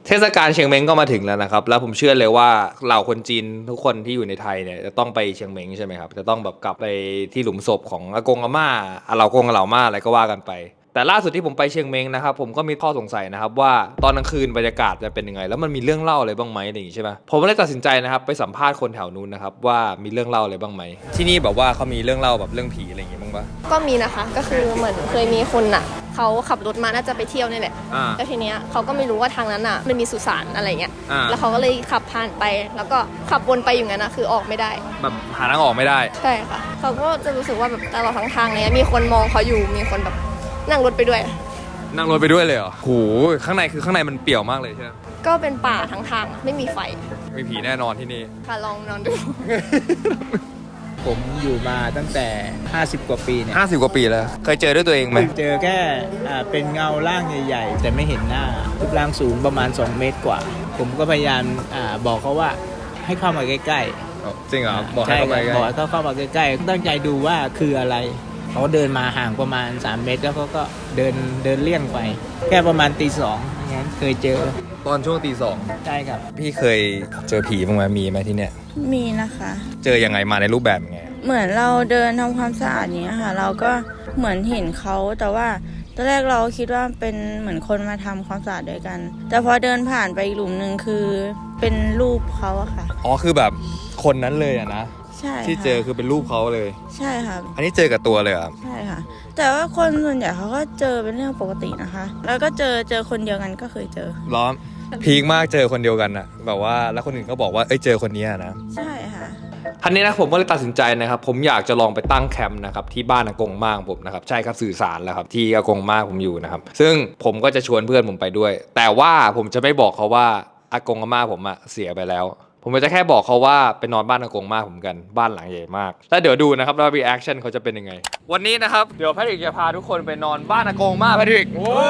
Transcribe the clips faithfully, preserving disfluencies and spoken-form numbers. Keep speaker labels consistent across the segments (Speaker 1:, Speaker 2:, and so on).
Speaker 1: เทศกาลเชียงเม้งก็มาถึงแล้วนะครับแล้วผมเชื่อเลยว่าเหล่าคนจีนทุกคนที่อยู่ในไทยเนี่ยจะต้องไปเชียงเม้งใช่ไหมครับจะต้องแบบกลับไปที่หลุมศพของอากงอาม่าอาเหล่ากงอาเหล่าม่าอะไรก็ว่ากันไปแต่ล่าสุดที่ผมไปเชียงเม้งนะครับผมก็มีข้อสงสัยนะครับว่าตอนกลางคืนบรรยากาศจะเป็นยังไงแล้วมันมีเรื่องเล่าอะไรบ้างไหมอะไรอย่างงี้ใช่ไหมผมเลยตัดสินใจนะครับไปสัมภาษณ์คนแถวนู้นนะครับว่ามีเรื่องเล่าอะไรบ้างไหมที่นี่แบบว่าเขามีเรื่องเล่าแบบเรื่องผีอะไรอย่างงี้บ้างปะ
Speaker 2: ก็มีนะคะก็คือเหมือนเคยมีคนอ่ะเขาขับรถมาน่าจะไปเที่ยวนี่แหละแล้วทีเนี้ยเขาก็ไม่รู้ว่าทางนั้นอ่ะมันมีสุสานอะไรเงี้ยแล้วเขาก็เลยขับผ่านไปแล้วก็ขับวนไปอย่างนั้นนะคือออกไม่ได้
Speaker 1: แบบหาทางออกไม่ได้
Speaker 2: ใช่ค่ะเขาก็จะรู้สึกว่าแบบตลอดทั้งทางเลยมีคนมองเขาอยู่มีคนแบบนั่งรถไปด้วย
Speaker 1: นั่งรถไปด้วยเลยเหรอโหข้างในคือข้างในมันเปี่ยวมากเลยใช่ไหม
Speaker 2: ก็เป็นป่าทั้งทางไม่มีไฟ
Speaker 1: มีผีแน่นอนที่นี่
Speaker 2: ค่ะลองนอนดู
Speaker 3: ผมอยู่มาตั้งแต่ห้าสิบกว่าปีเนี่ย
Speaker 1: ห้าสิบกว่าปีแล้วเคยเจอด้วยตัวเองไหม
Speaker 3: เจอแค่เป็นเงาร่างใหญ่ๆแต่ไม่เห็นหน้ารูปร่างสูงประมาณสองเมตรกว่าผมก็พยายามบอกเขาว่าให้เข้ามาใกล้
Speaker 1: ๆจริงเหรอบอกให้เข้ามาใกล้
Speaker 3: บอกให้เขาเข้ามาใกล้ๆตั้งใจดูว่าคืออะไรเขาเดินมาห่างประมาณสามเมตรแล้วเขาก็เดินเดินเลี่ยงไปแค่ประมาณตีสองงั้นเคยเจอ
Speaker 1: ตอนช่วงตีสอง
Speaker 3: ใช่ครับ
Speaker 1: พี่เคยเจอผีบ้างไหมมีไหมที่เนี้ย
Speaker 4: มีนะคะ
Speaker 1: เจอยังไงมาในรูปแบบไง
Speaker 4: เหมือนเราเดินทำความสะอาดอย่างเงี้ยค่ะเราก็เหมือนเห็นเขาแต่ว่าตอนแรกเราคิดว่าเป็นเหมือนคนมาทำความสะอาดด้วยกันแต่พอเดินผ่านไปอีกหลุมนึงคือเป็นรูปเขาอะค่ะ
Speaker 1: อ๋อคือแบบคนนั้นเลยอะนะ
Speaker 4: ใช่
Speaker 1: ที่เจอคือเป็นรูปเขาเลย
Speaker 4: ใช่ค่ะ
Speaker 1: อันนี้เจอกับตัวเลยครับ
Speaker 4: ใช่ค่ะแต่ว่าคนส่วนใหญ่เขาก็เจอเป็นเรื่องปกตินะคะแล้วก็เจอเจอคนเดียวกันก็เคยเจอ
Speaker 1: ล้อมพีคมากเจอคนเดียวกันอะแบบว่าแล้วคนอื่นก็บอกว่าเอ้ยเจอคนนี้นะ
Speaker 4: ใช่ค่ะ
Speaker 1: ทันนี้นะผมก็เลยตัดสินใจนะครับผมอยากจะลองไปตั้งแคมป์นะครับที่บ้านอากงม่าผมนะครับใช่ครับสื่อสารแล้วครับที่อากงม่าผมอยู่นะครับซึ่งผมก็จะชวนเพื่อนผมไปด้วยแต่ว่าผมจะไม่บอกเขาว่าอากงอาม่าผมอะเสียไปแล้วผมจะแค่บอกเขาว่าไปนอนบ้านอากงม่าผมกันบ้านหลังใหญ่มากแล้วเดี๋ยวดูนะครับว่ารีแอคชั่นเขาจะเป็นยังไงวันนี้นะครับเดี๋ยวแพทริกจะพาทุกคนไปนอนบ้านอากงม่าแพทริก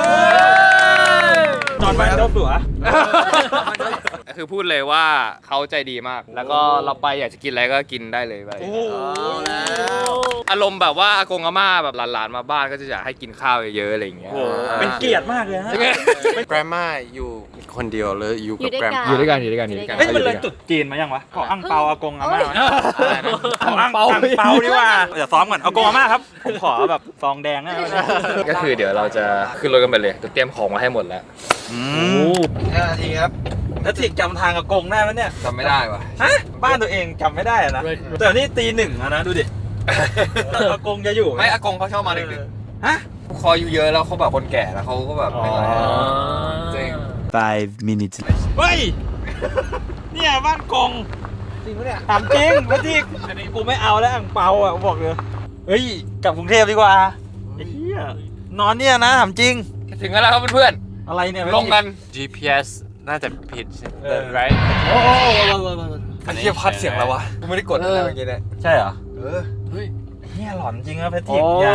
Speaker 3: นอนบ้านเจ้าสัว
Speaker 1: คือพูดเลยว่าเขาใจดีมากแล้วก็เราไปอยากจะกินอะไรก็กินได้เลยไปอารมณ์แบบว่าอากงอาม่าแบบหลานๆมาบ้านก็จะอยากให้กินข้าวเยอะๆอะไรอย่างเงี้ย
Speaker 3: เป็นเกียรติมากเลยฮะ
Speaker 5: แกรมม่าอยู่คนเดียวเลยอยู่กับแกรม
Speaker 1: อยู่ด้วยกันอยู่ด้วยกันอยู่ด้วยกัน
Speaker 3: เฮ้ยมันเลยจุดจีนมายังวะขออังเปาอากงอาม่าขออังเปาอังเปาดีกว่าเดี๋ยวซ้อมก่อนอากงอาม่าครับผมขอแบบซองแดงนะ
Speaker 1: ก็คือเดี๋ยวเราจะขึ้นรถกันไปเลยเตรียมของมาให้หมดแล้ว
Speaker 3: อืมห้านาทีครับแล้วถิกจำทางอากงได้ไหมเนี่ย
Speaker 1: จำไม่ได้วะ
Speaker 3: ฮะบ้านตัวเองจำไม่ได้นะแต่นี่ตีหนึ่งนะดูดิอากงจะอยู่
Speaker 1: ไม่อากงเขาชอบมาดึก
Speaker 3: ๆฮะ
Speaker 1: คออยู่เยอะแล้วเขาแบบคนแก่แล้วเขาก็แบบไม่ไหวจริง
Speaker 5: five minutes
Speaker 3: เฮ้ยเนี่ยบ้านกง
Speaker 1: จริงปะเนี่ย
Speaker 3: ถามจริงพี่ทิกอันนี้กูไม่เอาแล้วอ่างเปาอ่ะบอกเลยเฮ้ยกลับกรุงเทพดีกว่าไอ้เหี้ยนอนเนี่ยนะถามจริง
Speaker 1: ถึงแล้วครับเพื่อน
Speaker 3: ๆอะไรเนี่ย
Speaker 1: ลงกัน
Speaker 5: จี พี เอส น่าจะผิด
Speaker 1: เออ right โอ้โหอันนี้พัดเสียงแล้ววะกูไม่ได้กดอะไรเมื่อกี้เนี่ย
Speaker 3: ใช่เหรอ
Speaker 1: เออเฮ้ย
Speaker 3: เหี้ยหลอนจริงนะพี่ทิกอย่าง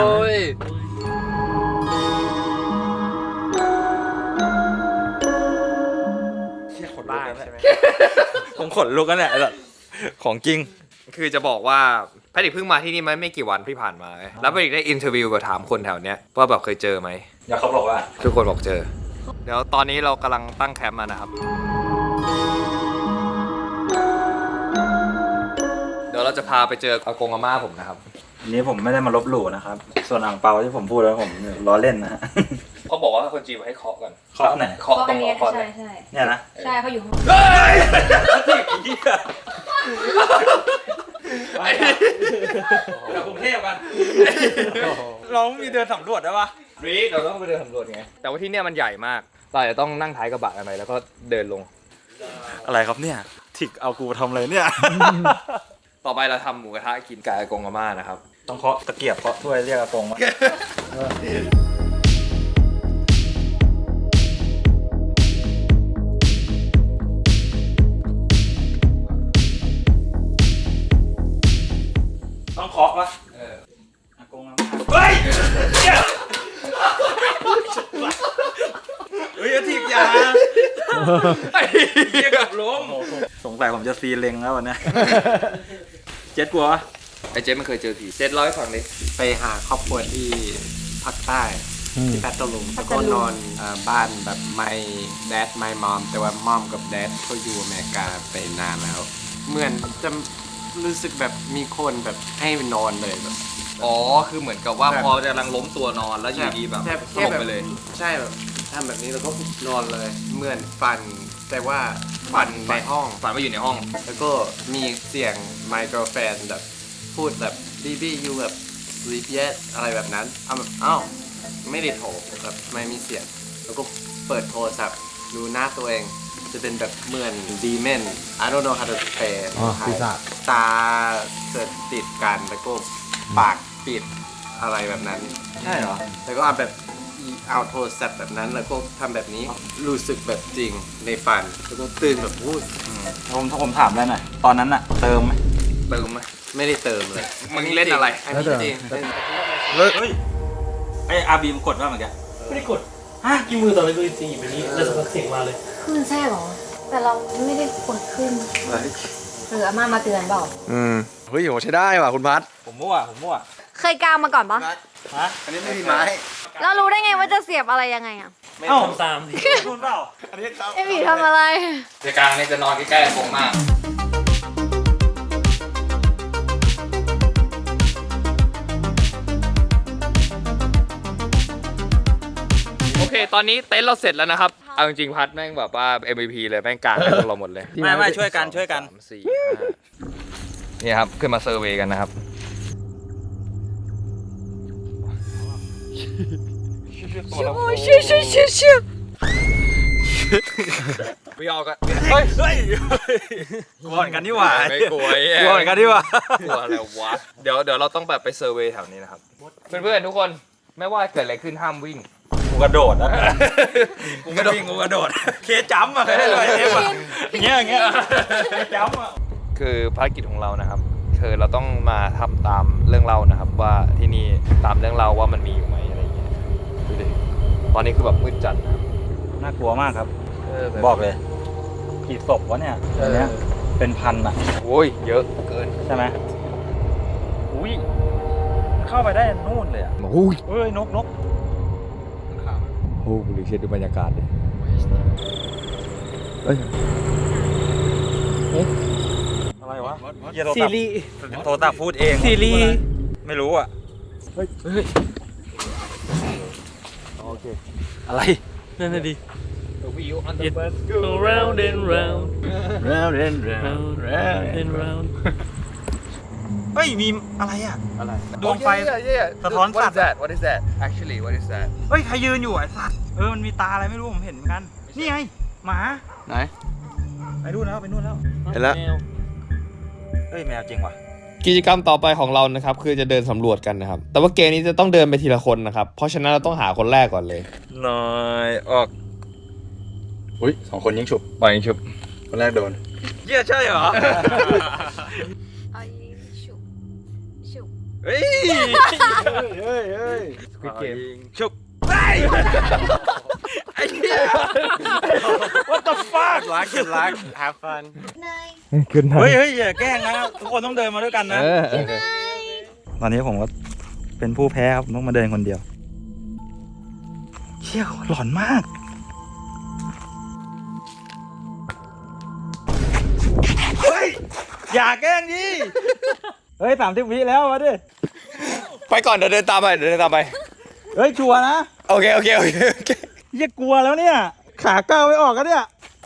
Speaker 1: บ้าใช่ไหม
Speaker 3: ผมขนลุกกันเนี่ยของจริง
Speaker 1: คือจะบอกว่าแพทริกเพิ่งมาที่นี่ไหมไม่กี่วันที่ผ่านมาแล้วแพทริกได้อินเทอร์วิวกับถามคนแถวเนี้ยว่าแบบเคยเจอไหม
Speaker 3: แล้วเขาบอกว่า
Speaker 1: ทุกคนบอกเจอเดี๋ยวตอนนี้เรากำลังตั้งแคมป์มานะครับเดี๋ยวเราจะพาไปเจออากงอาม่าผมนะครับ
Speaker 3: อันนี้ผมไม่ได้มาลบหลู่นะครับส่วนอ่างเปาที่ผมพูดแล้วผมล้อเล่นนะฮะ
Speaker 1: เขาบอกว่าคนจีนมาให้เคาะก่อน
Speaker 3: เคาะไหน
Speaker 1: เคาะตรงหัวคอเนี่ย
Speaker 3: เนี่ยนะ
Speaker 2: ใช่เขาอยู่ห้อง
Speaker 1: เฮ้ย
Speaker 3: เรากรุงเทพกันเรามีเดินสำรวจได้ปะ
Speaker 1: รีเราต้องไปเดินสำรวจไงแต่ว่าที่เนี่ยมันใหญ่มากเราจะต้องนั่งท้ายกระบะกันไปแล้วก็เดินลง
Speaker 3: อะไรครับเนี่ยถิกเอากูทำเลยเนี่ย
Speaker 1: ต่อไปเราทำหมูกระทะกินกับอากงอาม่านะครับ
Speaker 3: ต้องเคาะตะเกียบเคาะถ้วยเรียกอากงว่าต้องเคาะวะเอออากงอาม่าเฮ้ยเฮ้ยถิกยาไอ้เหี้ยกับล้มสงสัยผมจะซีเล็งแล้ววันนี้เจ็ดกลัว
Speaker 1: ไอ้เจ็ดมันเคยเจอผีเจ็ดร้อยฝั่งนี้
Speaker 5: ไปหาครอบครัวที่ภาคใต้ที่พัทลุงแล้วก็นอนเอ่อบ้านแบบไม่แดดไม่มอมแต่ว่ามอมกับแดดเขาอยู่อเมริกาไปนานแล้ว เหมือนจะรู้สึกแบบมีคนแบบให้นอนเลยแบบ
Speaker 1: อ๋อคือเหมือนกับว่าพอกำลังล้มตัวนอนแล้วอยู่ดีแบบ
Speaker 5: แค่
Speaker 1: ส
Speaker 5: แค่
Speaker 1: ลบ
Speaker 5: แบบ
Speaker 1: ไปเลย
Speaker 5: ใช่แบบทำแบบนี้แล้วก็นอนเลย เหมือนฟัน แต่ว่าฟันในห้อง
Speaker 1: ฝันว่าอยู่ในห้อง
Speaker 5: แล้วก็มีเสียง my girlfriend แบบพูดแบบ baby you แบบ sleep yet อะไรแบบนั้นเอาแบบอ้าวไม่ได้โทรแบบไม่มีเสียง แล้วก็เปิดโทรศัพท์ดูหน้าตัวเอง จะเป็นแบบเหมือน demon I don't know how to say
Speaker 6: อ๋อปีศาจ
Speaker 5: ตาเสดติดกันแล้วก็ปากปิดอะไรแบบนั้น
Speaker 6: ใช่เหรอ
Speaker 5: แล้วก็เอาแบบเอาโทรศัพท์แบบนั้นแล้วก็ทำแบบนี้รู้สึกแบบจริงในฝันแล้วก็ตื่นแบบพูด
Speaker 6: ผมถ้าผมถามได้หน่อยตอนนั้นอะเติมไหม
Speaker 1: เติมไหม
Speaker 5: ไม่ได้เติมเลย
Speaker 1: มึงเล่นอะไร
Speaker 5: อันนี้จริง
Speaker 6: เฮ้ยไออาบีมกดว่าเหมือนกัน
Speaker 7: ไม่ได้กดฮะกี่มือต่อเลยมือสี่แบบนี้แล้วสักพักเสียงมาเลย
Speaker 8: คลื่นแท้หรอ แต่เราไม่ได้กดขึ้นหรืออาม่ามาเตือนเปล่า
Speaker 5: อืมเฮ้ยโหใช้ได้ว่ะคุณพัด
Speaker 6: ผมมั่วผมมั่ว
Speaker 8: เคยกางมาก่อนปะ
Speaker 6: ฮะ
Speaker 5: อันนี้ไม่มีไม้
Speaker 8: แล้วรู้ได้ไงว่าจะเสียบอะไรยังไงอ่ะ
Speaker 7: ไม่ทำตามดิ
Speaker 6: คุณเปล่า
Speaker 5: อันนี้ครับ
Speaker 8: ไอหมีทำอะไร
Speaker 1: ในกลางนี่จะนอนใกล้ๆโกงมาก โอเค ตอนนี้เต็นท์เราเสร็จแล้วนะครับ เอาจริงๆพัดแม่งแบบว่า เอ็ม วี พี เลยแม่งกลางให้พวกเราหมดเลย
Speaker 6: ไม่ไม่ช่วยกันช่วยกัน
Speaker 1: สามสี่ห้านี่ครับ ขึ้นมาเซอร์เวย์กันนะครับ
Speaker 8: โอ้ยเชี่ยเชี่ยเชี่ยเชี่ย
Speaker 1: ไม่ออกกันเฮ้ย
Speaker 6: เฮ้ยกลัวเหมือนกันนี่หว่า
Speaker 1: ไม่กลัวไอ้
Speaker 6: กลัวเหมือนกันนี่หว่า
Speaker 1: กลัวอะไรวะ เดี๋ยวเดี๋ยวเราต้องแบบไปเซอร์เวย์แถวนี้นะครับ เพื่อนๆทุกคนไม่ว่าเกิดอะไรขึ้นห้ามวิ่ง
Speaker 6: กูกระโดดนะกูกระโดดกูกระโดดเคจัมป์อะเคยได้เลยเอฟอะอย่างเงี้ยอย่างเงี้ยเคจัมป์อะ
Speaker 1: คือภารกิจของเรานะครับ คือเราต้องมาทำตามเรื่องเล่านะครับ ว่าที่นี่ตามเรื่องเล่าว่ามันมีอยู่ไหมอะไรเงี้ยดูดิตอนนี้คือแบบมืดจัดนะครับ
Speaker 6: น่ากลัวมากครับ
Speaker 1: เออแบบ
Speaker 6: บอกเลยกี่ศพวะเนี่ยอันเนี้ยเป็นพันอะ
Speaker 1: โอ้ยเยอะเกิน
Speaker 6: ใช่ไหมอุ้ยเข้าไปได้นู่นเลยอะ
Speaker 1: โอ้ย
Speaker 6: เอ้ยนกนก
Speaker 1: โอ้โหดูเช็ดดูบรรยากาศดิเอ้ย
Speaker 6: อะไรวะเหี้ย
Speaker 7: ซีรีส์
Speaker 6: โทรศัพท์พูดเอง
Speaker 7: ซีรีส์
Speaker 6: ไม่รู้อะเฮ้ยเฮ้ยโอเคอะไร
Speaker 7: นั่นน่ะดิ
Speaker 1: วิวอัน
Speaker 7: It go round and round
Speaker 6: round and
Speaker 7: round and round
Speaker 6: เฮ้ยมีอะไรอะ
Speaker 1: อะไร
Speaker 6: ดวงไฟสะท้อนสัตว์
Speaker 1: What is that What is that Actually What is that
Speaker 6: เฮ้ยใครยืนอยู่ไอ้สัตว์เออมันมีตาอะไรไม่รู้ผมเห็นเหมือนกันนี่ไงหมา
Speaker 5: ไหน
Speaker 6: ไปนู่นแล้วไปนู่นแล้ว
Speaker 5: เห็นแล้ว
Speaker 7: แมว
Speaker 6: เฮ้ยแมวจริงว่ะ
Speaker 1: กิจกรรมต่อไปของเรานะครับคือจะเดินสำรวจกันนะครับ แต่ว่าเกมนี้จะต้องเดินไปทีละคนนะครับ เพราะฉะนั้นเราต้องหาคนแรกก่อนเลย
Speaker 6: หน่อยออก
Speaker 5: อุ้ยสองคนยิงฉุบ
Speaker 1: ปล่อยยิงชุบ
Speaker 5: คนแรกโดน
Speaker 6: เยี่ยใช่เหรอ
Speaker 8: ไอชุบชุบ
Speaker 6: เฮ้ย
Speaker 5: เฮ้ยเฮ้ย
Speaker 6: Squid Game ชุบไอ้ไอ้เหี้ย What the fuck
Speaker 5: luck good luck have fun
Speaker 8: เนย
Speaker 6: เฮ้ยเฮ้ยอย่าแกล้งนะทุกคนต้องเดินมาด้วยกันนะ ตอนนี้ผมก็เป็นผู้แพ้ครับผมต้องมาเดินคนเดียวเชี่ยหลอนมากเฮ้ยอย่าแกล้งดิเฮ้ยสามสิบวิแล้วมาดิ
Speaker 1: ไปก่อนเดี๋ยวเดินตามไปเดี๋ยวเดินตามไป
Speaker 6: เฮ้ยชัวร์นะ
Speaker 1: โอเคโอเคโอเคโอเค
Speaker 6: เหี้ยกลัวแล้วเนี่ยขาก้าวไม่ออกกันเนี่ย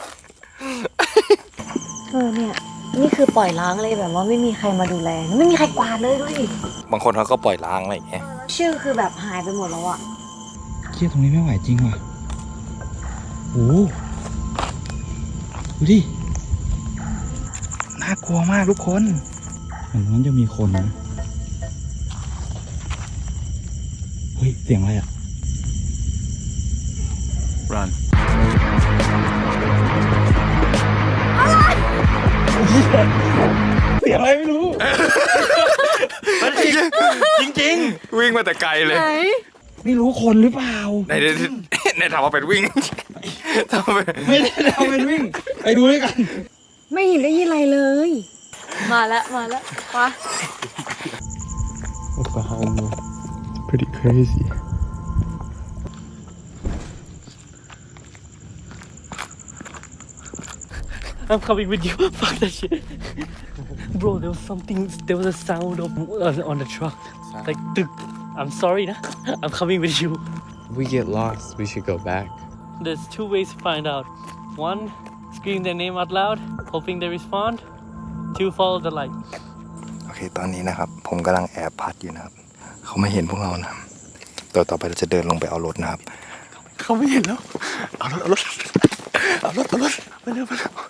Speaker 8: เออเนี่ย นี่คือปล่อยล้างเลยแบบว่าไม่มีใครมาดูแล ไม่มีใครกวาดเลยด้วย
Speaker 1: บางคนเขาก็ปล่อยล้างอะไรอย่างเงี้ย
Speaker 8: ชื่อคือแบบหายไปหมดแล้วอะ
Speaker 6: เชี่ยตรงนี้ไม่ไหวจริงว่ะโอ้ดูดิน่ากลัวมากทุกคนเหมือนนั้นจะมีคนนะเฮ้ยเสียงอะไรอ่ะ run เสียงอะไรไม่รู้ จริงจริง
Speaker 1: วิ่งมาแต่ไกลเลย
Speaker 6: ๆไม่รู้คนหรือเปล่า
Speaker 1: ในในในถามว่าเป็นวิ่งทำไม
Speaker 6: ไม่ได้เอาเป็นวิ่ง ไปดูด้วยกัน
Speaker 8: ไม่เห็นได้ยินอะไรเลย มาแล้วมาแล้วไป
Speaker 1: What behind me pretty crazy
Speaker 7: I'm coming with you. Fuck that shit. Bro, there was something, there was a sound of uh, on the truck. Like, tuk. I'm sorry, nah. I'm coming with you.
Speaker 5: We get lost. We should go back.
Speaker 7: There's two ways to find out. One, scream their name out loud, hoping they respond. Two, follow the light.
Speaker 6: โอเคตอนนี้นะครับผมกำลังแอบพัดอยู่นะครับเขาไม่เห็นพวกเรานะต่อต่อไปเราจะเดินลงไปเอารถนะครับเขาไม่เห็นแล้วเอารถเอารถเอารถเอารถไปเร็วไปเร็ว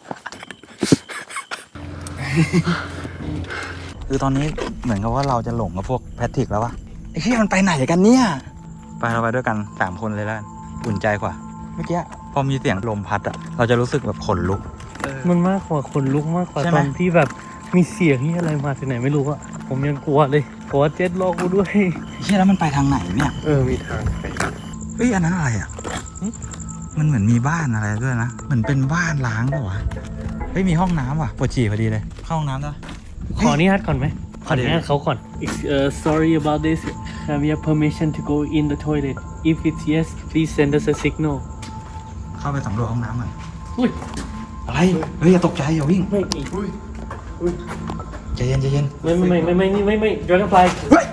Speaker 6: คือตอนนี้เหมือนกับว่าเราจะหลงกับพวกแพทริกแล้ววะไอ้เหี้ยมันไปไหนกันเนี่ยไปเราไปด้วยกันสามคนเลยแล้วอุ่นใจกว่าเมื่อกี้พอมีเสียงลมพัดอะเราจะรู้สึกแบบขนลุก
Speaker 7: มันมากกว่าคนลุกมากกว่า
Speaker 6: ใช่ไห
Speaker 7: ต
Speaker 6: ม
Speaker 7: อนที่แบบมีเสียงที่อะไรมาจากไหนไม่รู้อะผมยังกลัวเลยกลัวเจ็ดลอกกูด้วย
Speaker 6: เหี้ยแล้วมันไปทางไหนเนี่ย
Speaker 7: เออมีทางไป
Speaker 6: เฮ้ยอันนั้นอะไรอะมันเหมือนมีบ้านอะไรด้วยนะเหมือนเป็นบ้านล้างป่ะวะเฮ้ยมีห้องน้ำว่ะปวดฉี่พอดีเลยเข้าห้องน้ำได้
Speaker 7: ขออนุญาตก่อนไหมขออนุญาตเขาก่อน uh, sorry about this have you permission to go in the toilet if it's yes please send us a signal
Speaker 6: เข้าไปสำรวจห้องน้ำก่อน
Speaker 7: อุ้ย
Speaker 6: อะไรเฮ้ยอย่าตกใจอย่าวิ่ง
Speaker 7: ไม่อีก
Speaker 6: ใจเย็นใจเย็น
Speaker 7: ไม่ไม่ไม่ไม่ไม่ไม่ไม่ dragonfly
Speaker 6: เฮ้ย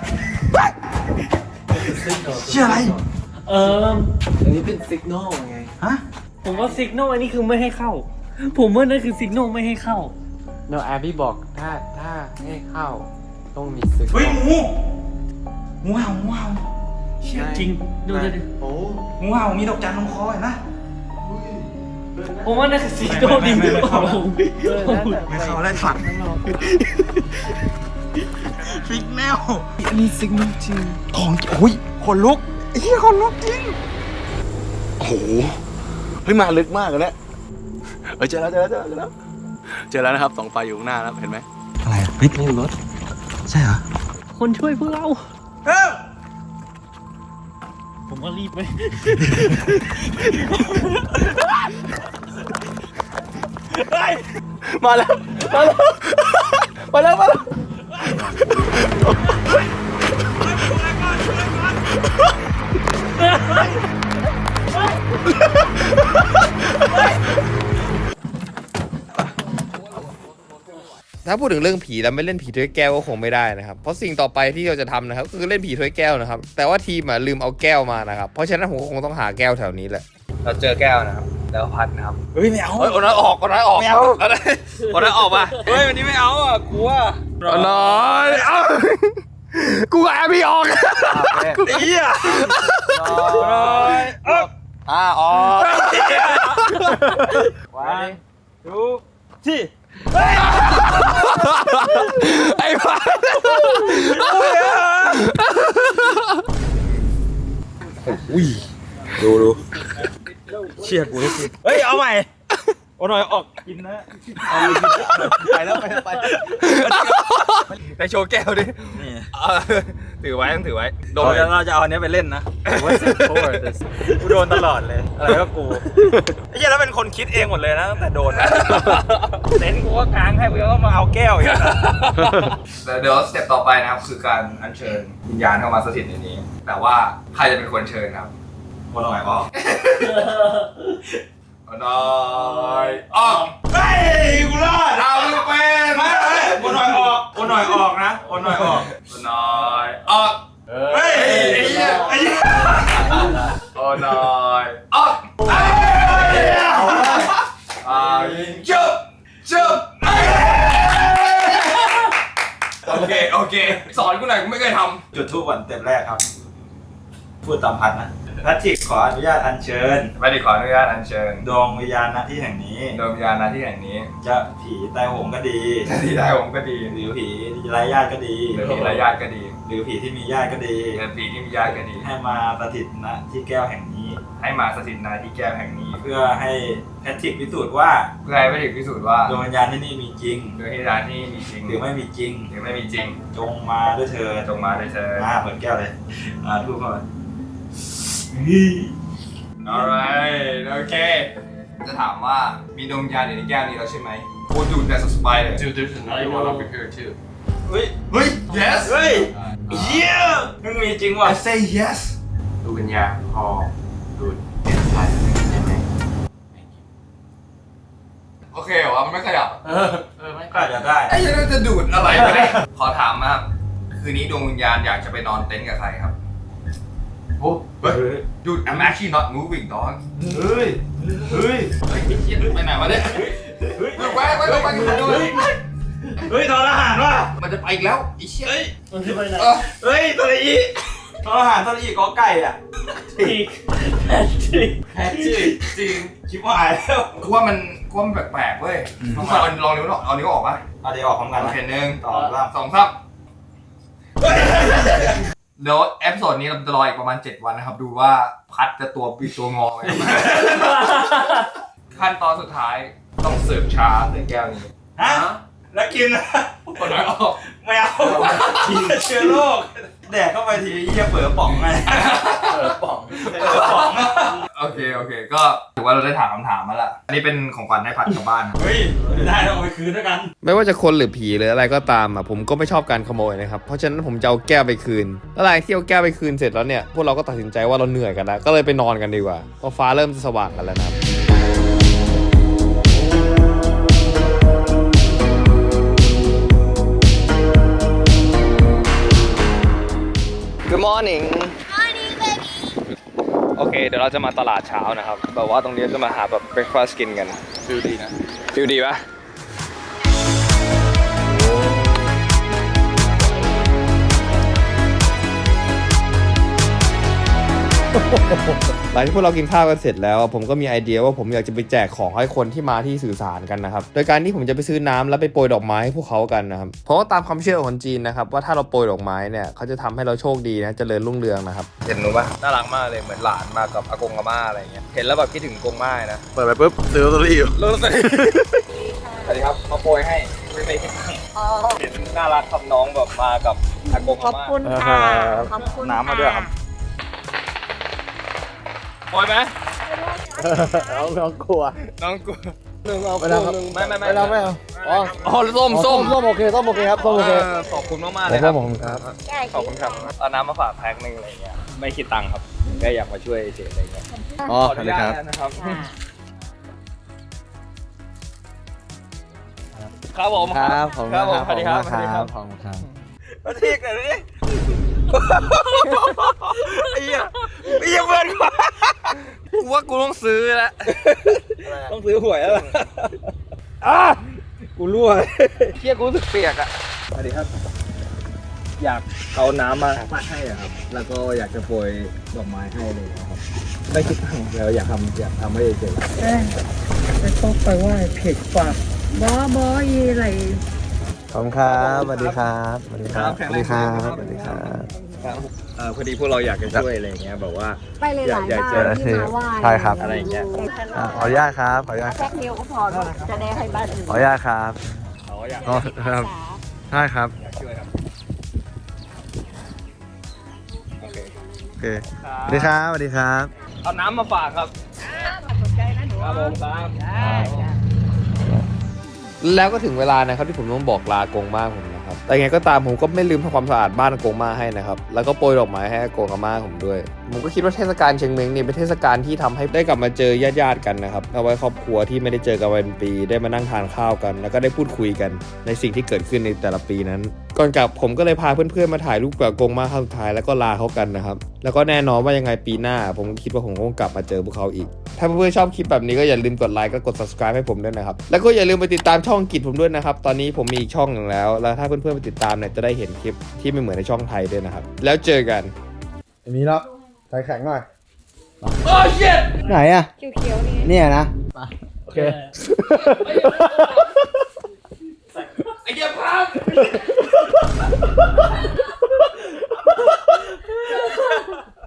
Speaker 6: เชื่ออะไร
Speaker 7: เออ
Speaker 5: อันนี้เป็นสัญญาณไง
Speaker 6: ฮะ
Speaker 7: ผมว่า signal อันนี้คือไม่ให้เข้า ผมว่านั่นคือ signal ไม่ให้เข้า
Speaker 5: No แอบบี้บอกถ้าถ้าให้เข้าต้องมีสัญญาณ
Speaker 6: เฮ้ยงูงูเห่างูเห่า
Speaker 7: จริงดูดิ
Speaker 5: โอ้
Speaker 6: งูเห่ามีดอกจันลงคอเห็นปะ
Speaker 7: ผมว่านั่นคือ signal ดี
Speaker 6: ไม่ไม่ไม่เข้า
Speaker 7: เออน่าจะ
Speaker 6: ไม่เข้าได้ฝันฟิกแนว
Speaker 5: อันนี้สัญญาณจริง
Speaker 6: ของโอ้ยขนลุกไอ้เหี้ยขนลุกจริงโอ้โหเฮ้ยมาลึกมากเลยเนี่ยเฮ้ยเจอแล้วเจอแล้วเจอแล้วเจอแล้วเจอแล้วนะครับสองไฟอยู่ข้างหน้าแล้วเห็นไหมอะไรเฮ้ยนี่รถใช่เหรอ
Speaker 7: คนช่วยพวกเรา ผมว่ารีบไหม
Speaker 6: มาแล้วมาแล้วมาแล้วมาแล้ว
Speaker 1: ถ้าพูดถึงเรื่องผีแล้วไม่เล่นผีถ้วยแก้วก็คงไม่ได้นะครับเพราะสิ่งต่อไปที่เราจะทำนะครับคือเล่นผีถ้วยแก้วนะครับแต่ว่าทีมอ่ะลืมเอาแก้วมานะครับเพราะฉะนั้นผมคงต้องหาแก้วแถวนี้แหละเราเจอแก้วนะครับแล้วพัดนะครับ
Speaker 6: เฮ้ยไม่เอา
Speaker 1: เฮ้ยคนนั้นออกคนนั้นออก
Speaker 6: ไม่เอา
Speaker 1: คนนั้นคนนั้นออกมาเฮ้ยวันนี้ไม่เอาอ่ะกลัวน้อยเอ้ากูแอบพี่ออกเหี้ยน้อยอ่าออกวันดูที่ไอ้พัดอุ้ยดูดูเชี่ยกูนี่เฮ้ยเอาใหม่โอ้หน่อยออกกินนะไปแล้วไปแล้วไปไปโชว์แก้วดิถือไว้ต้องถือไว้โดนเราจะเอาอันนี้ไปเล่นนะกูโดนตลอดเลยอะไรก็กูไอ้เหี้ยแล้วเป็นคนคิดเองหมดเลยนะตั้งแต่โดนเต็นกูก็กางให้กูก็มาเอาแก้วอีกเดี๋ยวสเต็ปต่อไปนะครับคือการอัญเชิญวิญญาณเข้ามาสถิตในนี้ แต่ว่าใครจะเป็นคนเชิญครับคนหน่อยออกคนหน่อยออกเฮ้ยกูรอดเอาไม่เป็นไม่คนหน่อยออกคนหน่อยออกนะคนหน่อยออกคนหน่อยออกเฮ้ยไอ้เหี้ยไอ้เหี้ยคนหน่อยออกไอ้เหี้ยอ่าจุ๊บจุ๊บโอเคโอเคสอนกูหน่อยกูไม่เคยทำจุดทูบวันเต็มแรกครับพูดตามพัดนะแพทริกขออนุญาตอัญเชิญแพทริกขออนุญาตอัญเชิญดวงวิญญาณณที่แห่งนี้ดวงวิญญาณณที่แห่งนี้จะผีตายโหงก็ดีจะผีตายโหงก็ดีหรือผีไร้ญาติก็ดีหรือผีไร้ญาติก็ดีหรือผีที่มีญาติก็ดีหรือผีที่มีญาติก็ดีให้มาสถิตณที่แก้วแห่งนี้ให้มาสถิตณที่แก้วแห่งนี้เพื่อให้แพทริกพิสูจน์ว่าเพื่อให้แพทริกพิสูจน์ว่าดวงวิญญาณที่นี่มีจริงดวงวิญญาณที่มีจริงหรือไม่มีจริงหรือไม่มีจริงจงมาด้วยเธอจงมาด้วยเธออ่าเปิดแก้วเลยอ่าทุกคน alright โอเคจะถามว่ามีดวงวิญญาณอยู่ในแก้วนี้แล้วใช่ไหมโอ้ดูแต่สปายเลย
Speaker 5: Dude, there's another one over here too.
Speaker 6: เฮ้ยเฮ้ย yes เฮ้ย yeah มึงมีจริงว่ะ I say yes
Speaker 5: ดูวิญญาณพอดูเด็ดขาดได้ไหม
Speaker 6: โ
Speaker 1: โอเคเหรอมันไม่ขยับ
Speaker 6: เออเออไม่ก็จะได้
Speaker 1: ไอ้ยันจะดูดอะไรไปเนี่ยขอถามนะครับคืนนี้ดวงวิญญาณอยากจะไปนอนเต็นท์กับใครครับโอ้เฮ้ย dude I'm actually not moving dog
Speaker 6: เฮ้ยเฮ้ย
Speaker 1: เฮ้ยเหี้ยไปไหนวะเนี่ยเฮ้ยไปไปไปไปกันด้วย
Speaker 6: เฮ้ยทอทหารว่ะ
Speaker 1: มันจะไปอีกแล้วไอ้เชี่ย
Speaker 7: มันคือไปไหน
Speaker 1: เออ
Speaker 6: เฮ้ยทออีทอทหารทออีกอไก่อ่ะ
Speaker 7: อีกแพทริก
Speaker 6: แพ้จริงจริงชิบหายแล้ว
Speaker 1: กูว่ามันกูว่ามันแปลกๆเว้ยลองเอาลองนิ้วออกเอานิ้วออกปะ
Speaker 6: เอาเดี๋ยวออกพร้อมกัน
Speaker 1: โอ
Speaker 6: นะ
Speaker 1: เคหนึ่ง
Speaker 6: ต่อว่า
Speaker 1: สองสามเดี๋ยวเอพิโซดนี้เราจะรออีกประมาณเจ็ดวันนะครับดูว่าพัดจะตัวปีตัวงอไหมขั้นตอนสุดท้ายต้องเสิร์ฟชาในแก้วนี้
Speaker 6: ฮะแล้วกินนะ
Speaker 1: คนน้อยออก
Speaker 6: ไม่เอาเชื้อโรคแดกเข้าไปทีเยี่ยเปิดป่องไงเปิดป่องเปิดป่อง
Speaker 1: โอเคโอเคก็ถือว่าเราได้ถามคำถามมาละอันนี้เป็นของขวัญให้พัดกลับบ้าน
Speaker 6: เฮ้ยได้ต้องเอาไปคืนด้วยกัน
Speaker 1: ไม่ว่าจะคนหรือผีหรืออะไรก็ตามอ่ะผมก็ไม่ชอบการขโมยนะครับเพราะฉะนั้นผมจะเอาแก้วไปคืนแล้วหลังที่เอาแก้วไปคืนเสร็จแล้วเนี่ยพวกเราก็ตัดสินใจว่าเราเหนื่อยกันแล้วก็เลยไปนอนกันดีกว่าเพราะฟ้าเริ่มจะสว่างกันแล้วนะครับ Good morning
Speaker 2: Morning baby
Speaker 1: โอเคเดี๋ยวเราจะมาตลาดเช้านะครับแบบว่าตรงนี้จะมาหาแบบ breakfast กินกันฟิลดีนะฟิลดีปะหลังที่พวกเรากินข้าวกันเสร็จแล้วผมก็มีไอเดียว่าผมอยากจะไปแจกของให้คนที่มาที่สื่อสารกันนะครับโดยการที่ผมจะไปซื้อน้ำแล้วไปโปรยดอกไม้ให้พวกเขากันนะครับเพราะว่าตามความเชื่อของคนจีนนะครับว่าถ้าเราโปรยดอกไม้เนี่ยเขาจะทำให้เราโชคดีนะเจริญรุ่งเรืองนะครับเห็นหนูปะน่ารักมากเลยเหมือนหลานมากับอากงอาม่าอะไรเงี้ยเห็นแล้วแบบคิดถึงอากงม่านะ
Speaker 6: เปิดไปปุ๊บซื้อลอตเตอรี่อยู่
Speaker 1: ลอตเตอรี่สวัสดีครับมาโปรยให้ไม่ไม่คิดตังค์เห็นน่ารักครับน้องแบบมากับอากงอาม่า
Speaker 4: ขอบคุณค่ะขอบคุณ
Speaker 6: น้ำมาด้วยครับ
Speaker 1: โปรยไหม
Speaker 3: น้องน้องกลัว
Speaker 1: น้องกู
Speaker 3: หนึ่งเอาไปแล้วครับ
Speaker 1: ไม่ไม่ไม่
Speaker 3: ไม่เอาไม่เอาอ๋อ
Speaker 1: อ๋อส้มส้ม
Speaker 3: ส้มโอเคส้มโอเคครับส้มโอเค
Speaker 1: เออขอบคุณมากมากๆเลยครับ
Speaker 3: ขอบคุณครับ
Speaker 1: ขอบคุณครับเอาน้ำมาฝากแพ็คหนึ่งอะไรเงี้ยไม่คิดตังค์ครับแค่อยากมาช่วยเฉยอะไรเงี้ย
Speaker 3: อ๋อ
Speaker 1: ขออนุญาตนะครับครับผม
Speaker 3: ครับผม
Speaker 1: ครับผมสวัสดีครับ
Speaker 3: ขอบคุณครับขอบคุณครับ
Speaker 1: มาทีกันเลยไอ้เหี้ยไอ้เหี้ยเพื่อนกูว่ากูต้องซื้อแล้วต้องซื้อหวยแล้วล่ะอ่ะกูรั่วเหี้ยกูรู้สึกเปียกอ่ะสวัสดีครับอยากเอาน้ำมาปัดให้อ่ะครับแล้วก็อยากจะโปรยดอกไม้ให้เลยครับไม่คิดตังค์แล้วอยากทำอยากทำให้เฉย
Speaker 7: ไปต้องไปไหว้เพจฝากบอบอยีอะไร
Speaker 3: ขอบคุณครับสวัสดีครับสวัสดีครับสวัสดีครับสวัสดีครับ
Speaker 1: ครับเออพอดีพวกเราอยากจะช่วยอะไรอย่างเงี้ยแบบว่า
Speaker 8: ไปหลายๆ
Speaker 1: อยาก
Speaker 8: บ้าน
Speaker 1: เจอ
Speaker 8: ที่มาไหว้
Speaker 3: ใช่ครับ
Speaker 1: อะไรอย่างเงี้ย
Speaker 3: อ่ะขออนุญาตครับขออนุญาต
Speaker 8: แพ็คเดียวก็พอจะได้ให้บ้านอื่น
Speaker 3: ขออนุญาตครับ
Speaker 1: เขาอยาก
Speaker 3: อ๋อครับใช่ครับ
Speaker 1: อยากช่วยครับโอเค
Speaker 3: โอเคสวัสดีครับสวัสดีครับ
Speaker 1: เอาน้ำมาฝากครับครับผมครับแล้วก็ถึงเวลานะครับที่ผมต้องบอกลาอากงม่าผมนะครับ แต่ไงก็ตามผมก็ไม่ลืมทำความสะอาดบ้านอากงม่าให้นะครับแล้วก็โปรยดอกไม้ให้อากงอาม่าผมด้วยผมก็คิดว่าเทศกาลเชียงเม้งนี่เป็นเทศกาลที่ทำให้ได้กลับมาเจอญาติๆกันนะครับเอาไว้ครอบครัวที่ไม่ได้เจอกันเป็นปีได้มานั่งทานข้าวกัน แล้วก็ได้พูดคุยกันในสิ่งที่เกิดขึ้นในแต่ละปีนั้นก่อนกลับผมก็เลยพาเพื่อนๆมาถ่ายรูปกับอากงม่าครั้งสุดท้ายแล้วก็ลาเขากันนะครับแล้วก็แน่นอนว่ายังไงปีหน้าผมคิดว่าผมคงกลับมาเจอพวกเขาอีกถ้าเพื่อนๆชอบคลิปแบบนี้ก็อย่าลืมกดไลค์ก็กด subscribe ให้ผมด้วยนะครับแล้วก็อย่าลืมไปติดตามช่องกิจผมด้วยนะครับตอนนี้ผมมีอีกช่องหนึ่งแล้วแล้วถ้าเพื่อนๆไปติดตามเนี่ยจะได้เห็นคลิปที่ไม่เหมือนในช่องไทยด้วยนะครับแล้วเจอกัน
Speaker 3: อันนี้แล้วใส่แข็งหน่อย
Speaker 1: โอ้ shit
Speaker 3: ไหนอ่ะ
Speaker 2: เขียวๆนี่
Speaker 3: เนี่ยนะโอเค
Speaker 1: ไอ้เหี้ยพัง